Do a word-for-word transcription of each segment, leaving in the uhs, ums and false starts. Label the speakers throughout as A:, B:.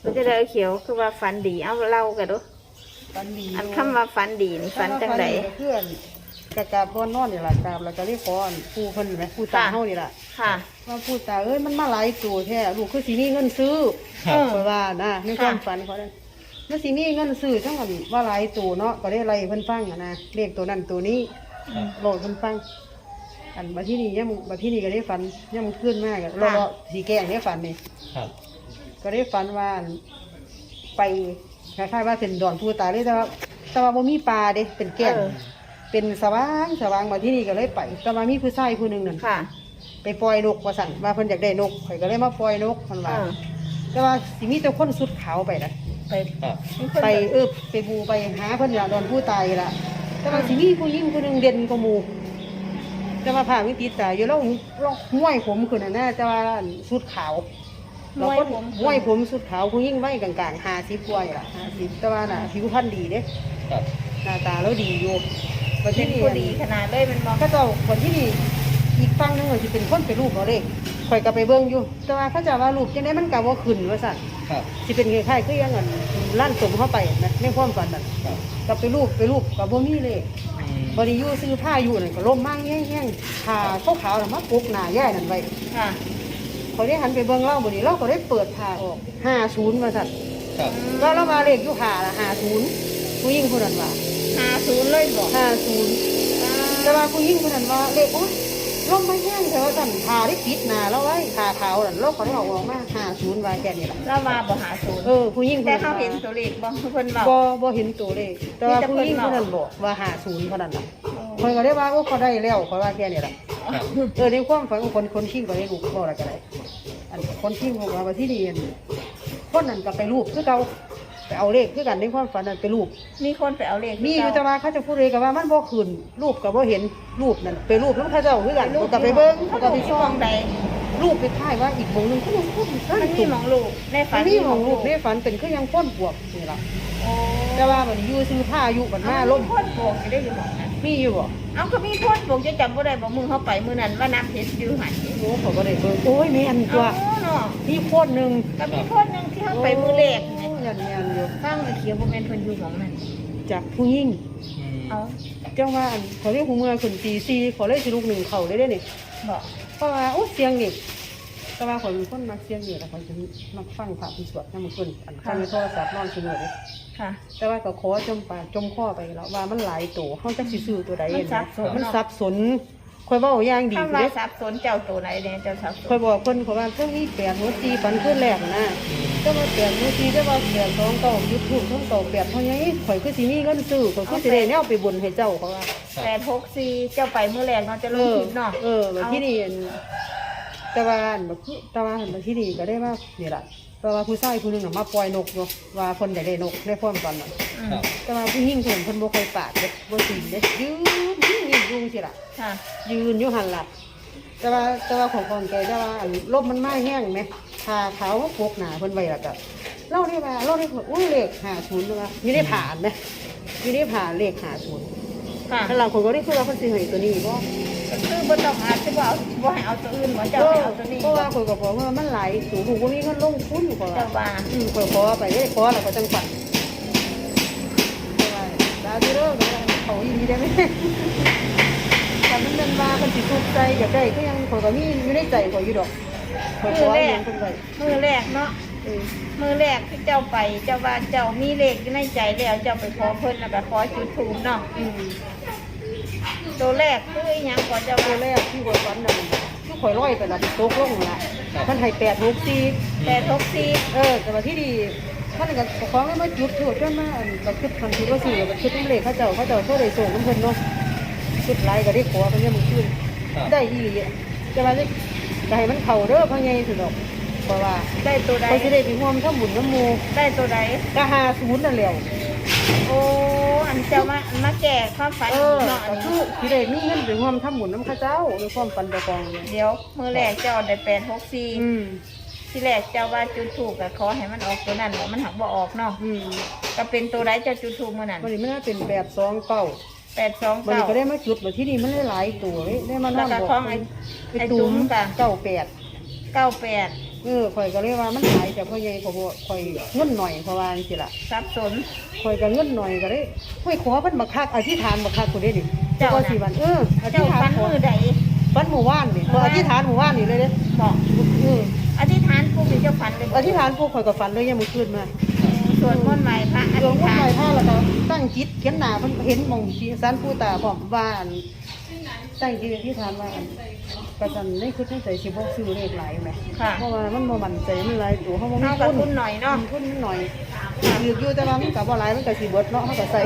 A: มันจะได้เขียวคือว่าฝันดีเอาเล่ากันดู
B: ฝันดี
A: อันคำว่าฝันดีนี่ฝันจังได
B: เพื่อนกะกาบนนอนนี่ล่ะกาบแล้วก็เรียกขอผู้เพิ่นไหมผู้ตาเฮานี่ล่ะ
A: ค่ะ
B: ว่าผู้ตาเอ้ยมันมาหลายตัวแท้ลูกคือสิมีเงินซื้อเออว่านะในความฝันเขาได้มันสิมีเงินซื้อจังว่าว่าหลายตัวเนาะก็ได้ไล่เพิ่นฟังอ่ะนะเลขตัวนั้นตัวนี้บอกเพิ่นฟังอันบัดที่นี่ยังบัดที่นี่ก็ได้ฝันยังขึ้นมากอ่ะรอๆสีแกงได้ฝันนี่ครับก็ได้ฝันว่าไปคล้ายๆว่าเป็นดอนผู้ตายเลยแต่ว่าแต่ว่าบ่มีปลาเด้เป็นแก้งเป็นสว่างสว่างมาที่นี่ก็เลยไปแต่ว่ามีผู้ชายผู้หนึ่งนั่นไปปล่อยนกว่าสั่นว่าเพิ่นอยากได้นกข่อยก็เลยมาปล่อยนกมันว่าแต่ว่าสิมีแต่คนสุดขาวไปนะไปไปเออไปบูไปหาเพิ่นอยากดอนผู้ตายล่ะแต่ว่าสิมีผู้หญิงผู้หนึ่งเด่นกว่าหมู่แต่ว่าผ่าวิติตายอยู่แล้วห้วยผมคือน่ะนะแต่ว่าสุดขาวเราก็ห้วยผมสุดขาวผู้หญิงไว้กลางๆห้าสิบกว่าล่ะห้าสิบแต่ว่าน่ะผิวพรรณดีเด้หน้าตาแล้วดีอยู่
A: วันที่นี่ดีขนาดเลยมันมอง
B: ก็เจ้าคนที่นี่อีกฝั่งนึงเลยที่เป็นคนเป็นรูปเราเลยข่อยก็ไปเบิ่งอยู่แต่ว่าเขาจะว่ารูปจังได๋มันก็บ่ขึ้นว่าซั่นครับสิเป็นคล้ายๆคืออย่างนั้นล้านสมเข้าไปนะในความฝันนั้นก็ไปรูปไปรูปก็บ่มีเลยบ่ได้อยู่ซื้อผ้าอยู่นั่นก็ล่มมากแห้งๆผ้าขาวๆน่ะมาปกหน้าย่ายนั่นไว้ค่ะเขาได้หันไปเบิ่งเล่าบ่นี่เราก็ได้เปิดผ้าออกห้าสิบว่าซั่นครับแล้วเรามาเลขอยู่ผ้าละห้าสิบผู้หญิงคนนั้นว่า
A: ห้าสิบเลยบ่
B: ห้าสิบแต่ว่าผู้หญิงคนนั้นว่าเลขโอ๊ยลมไม่แห้งแต่ว่าสั่นทาได้ปิดหน้าแล้วไว้ทาขาวนั่นเราก็ได้ออกออกมาห้าสิบว่าแค่นี้ล่ะ
A: เรามาบ่หาศูนย์
B: เออผู้หญิง
A: แต่เขาเห็นตัวเลขบ่เพิ่น
B: บ่บ่เห็นตัวเลขแต่ว่าผู้หญิงคนนั้นบอกว่าห้าสิบเท่านั้นล่ะข่อยก็ได้ว่าโอ้เขาได้แล้วข่อยว่าแค่นี้ล่ะเออในความฝันของคนคนชิงก็ได้ลูกบ่อะไรก็ได้อันคนชิงบอกว่าที่นี่คนนั้นก็ไปรูปคือเก่าไปเอาเลขคือกันในความฝันนั้นไปรูป
A: มีคนไปเอาเลข
B: มีอยู่แต่ว่าเขาจะพูดเลยกับว่ามันบ่ขึ้นรูปกับบ่เห็นรูปนั่นไปรูปแล้วเขาเจ้าคือกันก็ไปเบิ่งก็ไปช่องใดรูปไปถ่ายว่าอีกวงนึงเขายังพูด
A: มันมีหม่องรูปในฝัน
B: มีหม่องรูปในฝันเป็นคือยังพ้นบวกนี่ล่ะแต่ว่าบัดนี้อยู่ซื้อผ้าอยู่บัดมาล้ม
A: พ้นบวกได้อยู่หม่องนั้น
B: มีอยู่บ่
A: เอาก็มีพ้นบวกจะจำบ่ได้บ่มือเฮาไปมื้อนั้นว่าน้ำเพชรอยู่หั่น
B: โอ้เขาก็ได้เบิ่งโอ้ยแม่นตัวมีพ้นนึง
A: ก็มีพ้นนึงที่เฮาไปมื้อแรกนี่
B: ยันยันอยู่
A: ฟังเขียวบ่แม่นเพิ่นอยู่หม่องนั้น
B: จากผู้หญิง
A: เอา
B: จังว่าเขาเรียกหูเมื่อขึ้นตีสี่ขอเลยสิลูกหนึ่งเขาได้ได้นี่
A: บ่
B: เพราะว่าโอ้เสียงนี่แต่ว่าคนคนมักเสียงนี่แหละคนจะมักฟังพระพิสวดนั่นมันคนอันฟังในโทรศัพท์นอนเสมอเลยค่ะแต่ว่าก็ขอจมปากจมข้อไปแล้วว่ามันหลายตัวเขาจะซื้อตัวใดมันสับสนมันสับสนคอยบอกอย่างดี
A: เลยสับสนเจ้าตัวไหนเนี่ยเจ้าสับสน
B: คอยบอกคนเขาว่าเพิ่งนี่แปดหัวจีปันขึ้นแรกนะเจ้าว่าแปดหัวจีเจ้าว่าแปดสองเก่ายุบถูกทั้งเก่าแปดเท่านี้ข่อยคือสีนี้เงินซื้อข่อยคือสีแดงเนี่ยไปบนให้เจ้าเขาว่า
A: แปดหกสี่เจ้าไปเมื่อแรกเนาะจะลงทิพย์เนาะ
B: เออแบบที่นี่แต่ว่าแบบแต่ว่าแบบที่นี่ก็ได้ว่านี่แหละแต่ว่าผู้ชายผู้นึงมาปล่อยนกเนาะว่าคนอยากได้นกได้ความกันแต่ว่าผู้หญิงคนคนบ่เคยปาดเด็กบ่ตีนเด็กยืนยืนยืนสิล่ะยืนอยู่หันหลับแต่ว่าแต่ว่าของคนแกแต่ว่าลมมันไม่แห้งไหมทาขาวพกหนาเพิ่นไว้ละกับเล่าได้ว่าเล่าได้อุ้ยเลขหาศูนย์เลยมีได้ผ่านไหมมีได้ผ่านเลขหาศูนย์ถ้าเราคนก็ได้คือว่าคนสิให้ตัวนี้บ่
A: คือบนดอกอาจจะว่าบ่ให้เอาตัวอื่นบ่เจ้าให้เอาตัวนี้
B: เพราะว่าคนก็บอกว่ามันหลายสูงผูกว่ามีเงินลงทุนกว่า
A: เจ้าว่า
B: อืมคนขอไปได้ขอแล้วก็จังฝันดาวที่เลิกเขายินดีได้ไหมแต่มันเป็นว่าคนสิทุกข์ใจอยากได้ก็ยังคนก็มีอยู่ในใจขออยู่ดอก
A: มือแรกมือแรกเนาะมือแรกที่เจ้าไปเจ้าว่าเจ้ามีเลขในใจแล้วเจ้าไปขอเพิ่นแล้วก็ขอจุดธูปเนาะตัวแรกคือยังก่อนเจ้า
B: ตัวแรกที่คนฝันนั่นที่ข่อยร้อยไปละโต๊ะลงละท่านให้แปดหกสี่
A: แปดหกสี่
B: เออแต่ว่าที่ดีท่านก็ของไม่มาจุดถูกจนมาแบบคิดทันทีว่าสี่แบบคิดน้ำเหล็กเขาเจ้าเขาเจ้าเขาได้ส่งน้ำเพิ่นเนาะคิดไรก็ได้ขอเพิ่นยังมึงขึ้นได้อีจะมาได้ใจมันเข่าเด้อพังไงสุดดอกเพราะว่า
A: ได้ตัวใด
B: เขาจะได้ไปห่วงทั้งหมุนน้ำมู
A: ได้ตัวใด
B: ก็หาศูนย์นั่นแหละ
A: โอ้อันเจ้ามามาแก่ความฝัน
B: เนาะคือที่ได้มีเงินไปห่วงทั้งหมุนน้ำข้าเจ้าในความฝันประกอง
A: เดี๋ยวมือแรกเจ้าได้แปดหกสี่ที่แรกเจ้าว่าจุดถูกกับขอให้มันออกตัวนั้นมันหักบ่ออกเนาะก็เป็นตัวใดเจ้าจุดถูกเมื่อนั้น
B: มันไม่น่าเป็นแปดสองเก้า
A: แปดสอง
B: เก้ามันก็ได้มาจุดแบบที่นี่มันได้หลายตัวได้มานั่งบอก
A: ไอ้ตุ้มกับ
B: เก้าแปด
A: เก้าแปด
B: เออข่อยก็เลยว่ามันหลายแต่พ่อใหญ่ก็บ่ข่อยเงินหน่อยเพราะว่าจังซี่ล่ะ
A: สับสน
B: ข่อยก็เงินหน่อยก็เลยข่อยขอเพิ่นบักคักอธิษฐานบักคักพุ่นเด้ดิ
A: เจ้าน่ะ
B: ก็สิวันเอออธิ
A: เจ้า
B: ษฐา
A: ฟั
B: น
A: น
B: ขอ
A: มือใด
B: ฟันหมู่บ้านนี่ข่อยอธิษฐานหมู่บ้านนี่เลยเด้
A: บอก
B: เออ
A: อธิษฐานปุ๊บเจ้าฟันเลยบ่
B: อธิษฐานปุ๊บข่อยก็ฝันเลยยามมื้อคืนมา
A: สวดมนต์ไหว้พระอ
B: หลว
A: ธิ
B: ง
A: ษ
B: พ่อ
A: ฐา
B: ใหญ่
A: น
B: ท่าแล้วก็ตั้งจิตเขียนหน้าเพิ่นเห็นหม่องที่ศาลปู่ตาพร้อมว่าอันตั้งจิตอธิษฐานว่าอันก็ซั่นในคือในใจสิบ่ซื้อเลขหลายแหม
A: ค่ะ
B: เพราะว่ามันบ่มั่นใจมันหลายตัวเฮาบ่มี
A: เอากับ
B: ทุ
A: ทุ
B: น
A: นหน่อยเนาะ
B: ทุนหน่อยถืออยู่แต่ว่ามันก็บ่หลายมันก็สิเบิดเนาะเฮาก็ใส่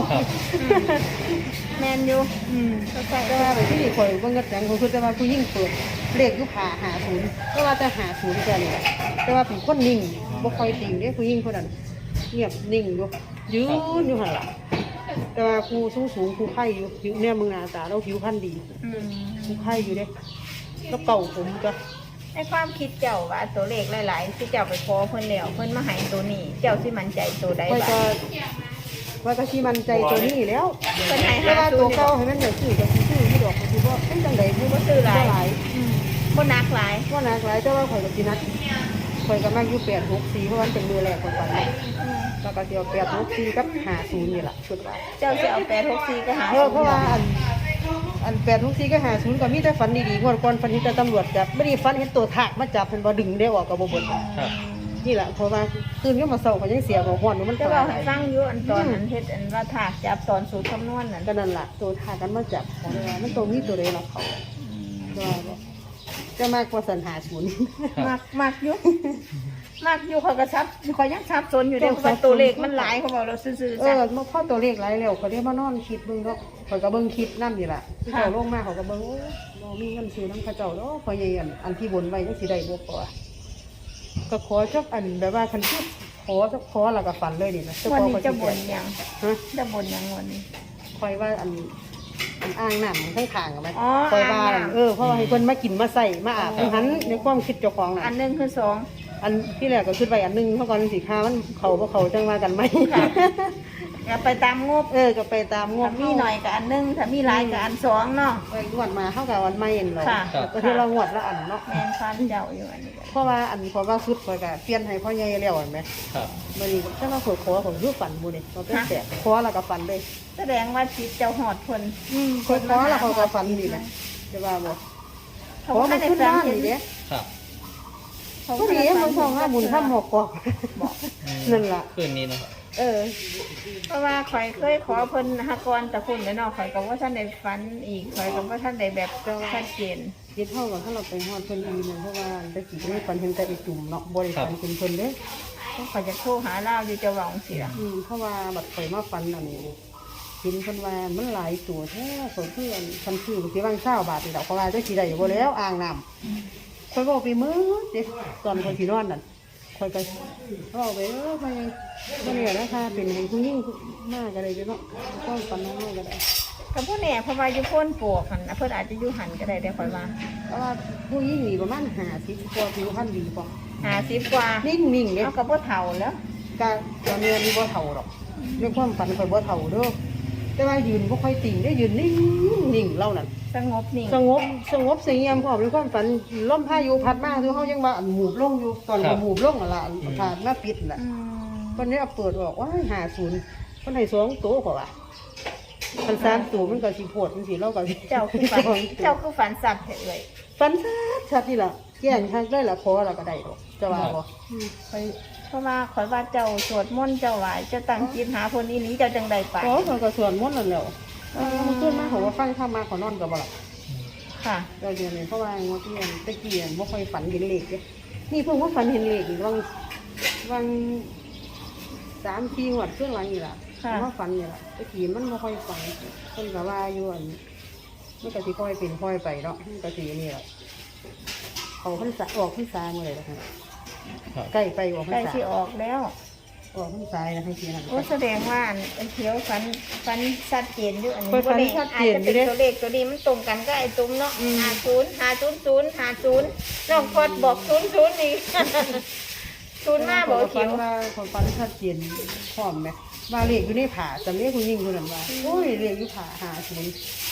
A: แมนอยู่
B: อืม
A: เข้าใจ
B: แต่ว่าไปที่นี่ข่อยเบิ่งกระแสงเขาคือแต่ว่าผู้หญิงเปิดเลขอยู่ผ่าหาศูนย์แต่ว่าจะหาศูนย์แค่นี้แต่ว่าเป็นคนนิ่งบ่ค่อยติงเด้ผู้หญิงคนนั้นเงียบนิ่งอยู่ยืนอยู่หั่นล่ะแต่ว่าครูสูงสูงครูไข่อยู่ผิวเนี่ยมึงหน้าตาเราผิวพรรณดี
A: อืม
B: ครูไข่อยู่เด้แล้วเก่าผมก็
A: ในความคิดเจ้าว่าตัวเลขหลายๆที่เจ้าไปขอเพิ่นแล้วเพิ่นมาให้ตัวนี้ เจ้าสิมั่นใจตัวใด
B: ค่อย
A: บ้า
B: จะ
A: ง
B: ว่าก็สิมั่นใจตัวนี้แล้ว
A: เพิ่นให้
B: แต่
A: หา
B: ว่า
A: ศู
B: ตัวน
A: ย์
B: เก่าให้มันได้ซื้อก็สิซื้อที่ดอกก็สิบ่เป็นจังได๋ผู้บ่
A: ซื้อหลาย
B: หลาย
A: อืมบ่หนักหลาย
B: ว่านักหลายแต่ว่าข่อยก็สินัดข่อยก็มักอยู่แปดหกสี่เพราะว่ามันเป็นมือแรกของฝันเนาะ
A: อืม
B: แล้วก็สิเอาแปดหกสี่กับห้าศูนย์นี่ล่ะคิดว่า
A: เจ้าสิเอาแปดหกสี่ก็หา
B: เออเพราะว่าอันอันแปดหกสี่กับห้าศูนย์ก็มีแต่ฝันดีๆงวดก่อนฝันเห็นแต่ตำรวจจับบ่ได้ฝันเห็นตัวทากมาจับเพิ่นบ่ดึงได้ออกก็บ่เบิด
C: ครับ
B: นี่ล่ะเพราะว่าตื่นขึ้นมาเช้าก็ยังเสียบ่ฮ้อนอยู่มัน
A: เจ้า
B: ตา
A: เว้าย ให้ฟังอยู่อันตอนนั้นเฮ็ดอันว่าถากจับตอนสูตรคำนวณนั่น
B: ก็นั่นล่ะตัวทากกันมาจับของว่ามันตรงนี้ตัวใดล่ะเขาว่าบ่จะมากกว่าสันหาศูนย์
A: มักมักอยู่มักอยู่เขาก็ซับเขายังซับสนอยู่เด้เพราะว่าตัวเลขมันหลายเขาบอกเราซื่อ
B: เอ
A: ๆจ้ะ
B: อมาพ่อตัวเลขหลายแล้วเขาได้มานอนคิดเบิ่งเนาะเขาก็เบิ่งคลิปนั่นนี่ล่ะที่เขาลงมาเขาก็เบิ่งโอ้บ่มีเงินซื้อน้ำเข้าเจ้าเนาะพอใหญ่อันอันที่บนไว้จังสิได้บ่พอก็ขอจักอันแบบว่าคันคิดขอจักขอแล้วก็ฝันเลยนี่นะ
A: วันนี้
B: ก็
A: จะ
B: สิ
A: บ่น
B: แจก
A: ยัง
B: ฮะ
A: จะบ่นยังวันนี้
B: คอยว่าอันอันอ่างน้ำมันข้างๆกันไหม
A: อ๋อ
B: คอยว่า
A: อ่างน้ำ
B: เออเพราะว่าให้เพิ่นมากินมาใส่มาอาบทั้งหันในความคิดเจ้าของน่ะ
A: อันหนึ่งคือสอง
B: อันที่แรกก็คิดไว้อันหนึงเพราะก่อนสิค้ามันเขาบ่เขาจังว่ากันไหม
A: ค่ะ อย่าไปตามงบ
B: เออก็ไปตามง
A: ถ้า
B: บ
A: มีหน่อยกับอันหนึ่งถ้ามีหลายกับอันสองเนาะ
B: ไปงวดมาเท่ากับวันไม่เห็นเนาะ
A: ค่ะ
B: ก็ที่เรางวดละอันเนาะ
A: แมนฟันเจ้าอยู่อันนี้ก็
B: เพราะว่าอันเพราะว่าสุดคอยก็เปลี่ยนให้พ่อใหญ่แล้วเห็นไหม
C: ครับ
B: มื้อนี้ถ้าเราขอขอของรูปฝันบ่นี่เราเป็นแสบขอแล้วก็ฝันเลย
A: แสดงว่าจิตเจ้าหอดคน
B: อืมขอขอแล้วเขาก็ฝันนี่นะจะว่าบ่
A: เขา
B: ขอ
A: ไม่
B: มัน
A: ได้
B: ขึ้น
A: ฟั
B: บ้าน
A: เห็น
B: นี่เด้
C: ครับ
A: เขา
B: ก็ดีมันทองห้าบุญข้ามหกกอก
A: บอก
C: อืม
B: นั่นล่ะ
C: คืนนี้นะครับ
B: เออ
A: เพราะว่าข่อยเคยขอเพิ่นหากรแต่คุณเนาะข่อยก็ว่าท่านได้ฝันอีกข่อยก็ว่าท่านได้แบบชัดเจน
B: ยึดเท่ากับถ้าเราไปฮอดเพิ่นอีนึงเพราะว่าตะกี้ก็มีฝันเห็นแต่อีจุ่มเนาะบ่ได้ฝันเป็นเพิ่นเด้
A: เพราะข่อยจะโทรหาเล่าอยู่จะหวังสิล่ะ
B: อืมเพราะว่าบัดข่อยมาฝันอันนี้เห็นเพิ่นว่ามันหลายตัวแท้ข่อยเพื่อนคันซื้อสิวางเช้าบาทนี่ดอกเพราะว่าจักสิได้บ่แล้วอ่างน้ำข่อยบอกไปมื้อเด้ตอนข่อยสินอนนั่นข่อยก็เว้าไปเออไปบ่เนี่ยนะคะเป็นให้ผู้หญิงมากก็ได้เนาะก็ฝันน้อยก็ได้
A: กับผู้เนี่ยเพราะว่าอยู่พ้นปลวกหันน่ะเพิ่นอาจจะอยู่หันก็ได้ได้ข่อยว่า
B: เพราะว่าผู้หญิงนี่ประมาณห้าสิบกว่าผิวพรรณดีกว่า
A: หาสิบกว่า
B: นิ่งๆเด้
A: เอากับบ่เฒ่าแล้ว
B: ก็ตอนนี้มีบ่เฒ่าหรอกเรื่องความฝันข่อยบ่เฒ่าเด้อแต่ว่ายืนบ่ค่อยติ่งได้ยืนนิ่งนิ่งเล่านั่น
A: สงบนิ่ง
B: สงบสงบเสงี่ยมพร้อมในความฝันลมพายุพัดมาคือเฮายังว่าอันหมูบลงอยู่ตอน
C: ครั
B: ก็
C: บ
B: หมูบลงนั่นล่ะอันผ่านมาปิดน่ะ
A: อืม
B: วันนี้เอาเปิดออกว่าห้าศูนย์เพิ่นให้สองตัวกว่าว่าคันสามตัวมันก็สิโพดจังซี่เราก็สิ
A: เจ้าคือฝันเจ้าคือฝันสัตว์เอ่ย
B: ฝันชัดชัดนี่ล่ะแจ้งทางได้ละขอแล้วก็ได้ดอกจะว่าบ่อืมไป
A: เพราะว่าข่อยว่าเจ้าสวดมนต์เจ้าไหวเจ้าตั้งจิตหาคนอีหลีเจ้าจังใดไป
B: ขอเขาก็สวดมนต์นั่นแหล้วเออมันขึ้นมาเขาว่าฟังธรรมมาขอนอนก็บ่หลับ
A: ค่ะ
B: เราเดี๋ยวนี้เพราะว่างดเรียนตะเกียนบ่ค่อยฝันเห็นเลขเด้นี่เพิ่งว่าฝันเห็นเลขอีกวังวังสามสี่งวดเครื่องหลังนี่ล่ะ
A: ค่ะ
B: ว่าฝันนี่ล่ะตะกี้มันบ่ค่อยฝันเพิ่นก็ว่าอยู่อันมันก็สิค่อยเป็นค่อยไปเนาะมันก็สินี่ล่ะเขาพรรษาออกพรรษาเมื่อไหร่ล่ะครับ
C: ครับ
B: ใกล้ไปออกพร
A: ใกล้
B: รษา
A: สิออกแล้ว
B: ออกพรรษาแล้วให้สินั่น
A: โอ้แสดงว่าอันอันเขียวฝันฝันชัดเจนอยู่อันนี้
B: ข้อยฝัน
A: บ่ได้
B: ชัด
A: อา
B: เจ
A: จ
B: น
A: จะ
B: อยู่
A: เป็น
B: เด้
A: ตัวเลขตัวนี้มันตรงกันก็ไอ้ตุ้มเนาะ
B: อืม
A: ห้าศูนย์ห้าศูนย์ศูนย์ห้าศูนย์น้องพอดบอกศูนย์ศูนย์นี่ ศูนย์มาบอก
B: ฝั
A: เขี
B: น
A: ยว
B: ว่าคนฝันชัดเจนพร้อมไหมว่าเลขอยู่ในผาจำเลขคุณยิ่งคนนั้นว่าโอ้ยเลขอยู่ผาหาศูนย์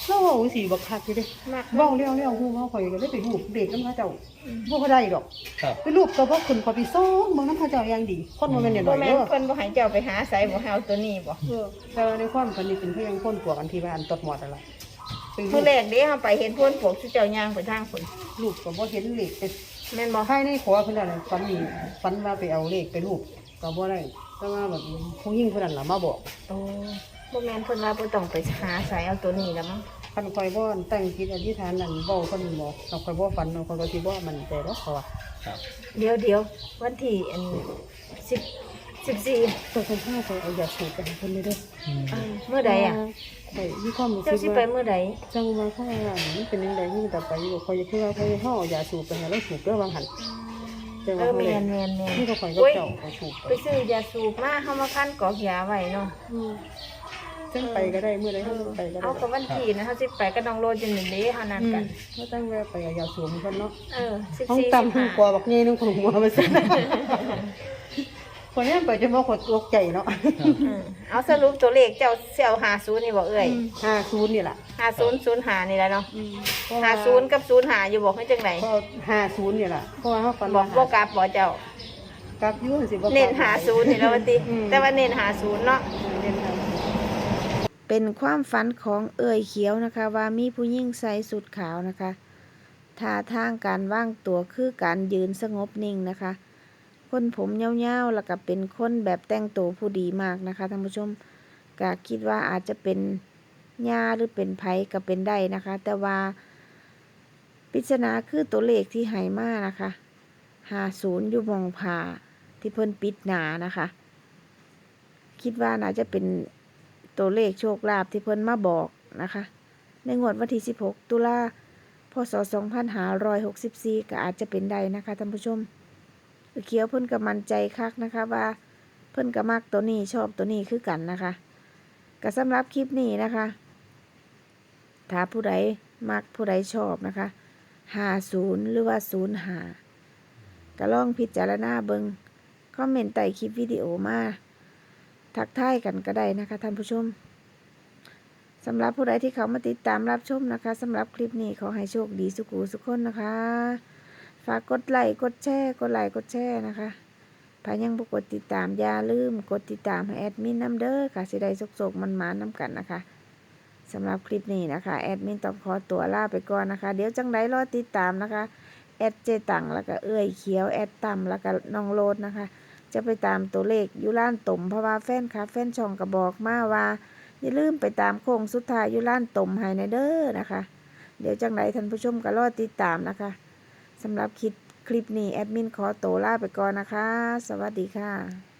B: แล้วเว้าสิบักคักอยู่เด้
A: มาก
B: เว้าแล้วแล้วฮู้ว่าข่อยก็เลยไปรูปเด็กนำเขาเจ้าบ่เขาได้ดอก
C: ครับ
B: ไปรูปก็บ่ขึ้นข่อยไปซ่องเบิ่งนำเขาเจ้าอย่างดี คนบ่แม่นน้
A: บ่
B: อยๆ
A: แม่
B: เด้
A: น
B: อ
A: เพิ่นบ่ให้เจ้าไปหาไสบ่ให้เอาตัวนี้บ่
B: เออแต่ว่าในความฝันนี่เป็นเพียงคนปวกอันที่บ้านตดหมอดนั่นล่ะไปรู
A: มื้อ
B: ป
A: แรกเด้เฮาไปเห็นพวนพวกสิเจ้าย่างไปทางพุ่น
B: รูปก็บ่เห็นเลขแต่
A: แม่นบ่
B: ภายในขอเพิ่นนั่นน่ะฝันนี่ฝันว่าไปเอาเลขไปรูปก็บ่ได้แต่ว่าแบบผู้หญิงเพิ่นนั่นล่ะมาบอก
A: โอ้บ่แม่นเพิ่นว่าบ่ต้องไปหาไสเอาตัวนี้แล้วมั้ง
B: คันข่อยบ่ตั้งจิตอธิษฐานนั่นเว้าเพิ่นบอกถ้าข่อยบ่ฝันข่อยก็สิบ่มั่นใจดอกเขาว่า
C: ครับ
A: เดี๋ยวเดี๋ยววันที่อันสิบสิบสี่
B: ตัวคนพาข่อยเอายาสูบไปให้เพิ่นเลยเด้อ
C: อืม
A: เมื่อใดอ่ะ
B: ข่อยมีความรู้
A: เจ้า
B: สึ
A: สิ
B: ก
A: ไป
B: ว่า
A: เมื่อใด
B: จังว่าเขาว่ามันเป็นจังได๋มันต่อไปอยู่ข่อยคือว่าข่อยเฮาเอายาสูบไปให้เราสูบเด้อบางหัน แต่
A: เอ
B: ว่า
A: อ
B: เขา
A: แม
B: เลย
A: นแมนแมน
B: นี่ก็ข่อยก็
A: โอ้ย
B: เจ้าก็สูบไป
A: ไปซื้อยาสูบมาเฮามาคั้นกอกยาไว้เนาะ
B: อืมจังไปก็ได้มื้อใด
A: เอ
B: เฮา
A: อ
B: ไปก็ได้
A: เอากับวันที่นะเฮาสิไปก็น้องโรจนหนึ่งเด้เฮานัด
B: อื
A: กั
B: ม
A: น
B: ก็ตั้งแวะไปเอายาสูบเพิ่นเนาะ
A: เออสิบ
B: ห้อง
A: สี่
B: ตำ
A: สิบ
B: ห้อ
A: ห้าง
B: กว่าบักใหญ่นึงของหัวมาซั่นคนนี้ไปจะบ่ขดตกใจเนาะ
A: อืมเอาสรุปตัวเลขเจ้าเสี่ยวห้าสิบนี่บ่เอ่ย
B: ห้าศูนย์นี่ล่ะ
A: ห้าสิบ ศูนย์ห้านี่แหละเนาะ
B: อืม
A: ห้าสิบกับศูนย์ห้าอยู่บอกให้จังได๋
B: ก็ห้าศูนย์นี่ล่ะเพราะว่าเฮาฝัน
A: บอกบ่
B: ว่าก
A: ลับบ่เจ้า
B: กลับอยู่สิบ่กลับ
A: เน้นหาศูนย์นี่แล้วว่าติ
B: อืม
A: แต่ว่าเน้นหาศูนย์เนาะ
B: เน้นห้าศูนย์
A: เป็นความฝันของเอ่ยเขียวนะคะ ว่ามีผู้หญิงใส่สุดขาวนะคะท่าทางการว่างตัวคือการยืนสงบนิ่งนะคะ คนผมยาวๆแล้วก็เป็นคนแบบแต่งตัวผู้ดีมากนะคะท่านผู้ชมก็คิดว่าอาจจะเป็นญาหรือเป็นไผก็เป็นได้นะคะ แต่ว่าปริศนาคือตัวเลขที่ให้มานะคะห้าสิบอยู่หมองผ่าที่เพิ่นปิดหนานะคะ คิดว่าน่าจะเป็นตัวเลขโชคลาภที่เพิ่นมาบอกนะคะ ในงวดวันที่สิบหกตุลาพศสองพันห้าร้อยหกสิบสี่ก็อาจจะเป็นได้นะคะท่านผู้ชมเขียวเพิ่นก็มั่นใจคักนะคะว่าเพิ่นก็มักตัวนี้ชอบตัวนี้คือกันนะคะก็สำหรับคลิปนี้นะคะถ้าผู้ใดมักผู้ใดชอบนะคะห้าสิบหรือว่าศูนย์ห้าก็ลองพิจารณาเบิงคอมเมนต์ใต้คลิปวิดีโอมาทักทายกันก็ได้นะคะท่านผู้ชมสำหรับผู้ใดที่เขามาติดตามรับชมนะคะสำหรับคลิปนี้ขอให้โชคดีสุขุสุขคนนะคะฝากกดไลค์กดแชร์กดไลค์กดแชร์นะคะถ้ายังบ่กดติดตามอย่าลืมกดติดตามให้แอดมินน้ำเด้อค่ะสิได้สุกๆมันๆน้ำกันนะคะสำหรับคลิปนี้นะคะแอดมินต้องขอตัวลาไปก่อนนะคะเดี๋ยวจังไดรอติดตามนะคะแอดเจตังแล้วก็เอื้อยเขียวแอดต่ำแล้วก็น้องโรดนะคะจะไปตามตัวเลขอยู่ร้านตุ่มเพราะว่าแฟนคลับแฟนช่องก็บอกมาว่าอย่าลืมไปตามโค้งสุดท้ายอยู่ร้านตุ่มให้ในเด้อนะคะเดี๋ยวจังไดท่านผู้ชมก็รอติดตามนะคะสำหรับคลิปคลิปนี้แอดมินขอตัวลาไปก่อนนะคะสวัสดีค่ะ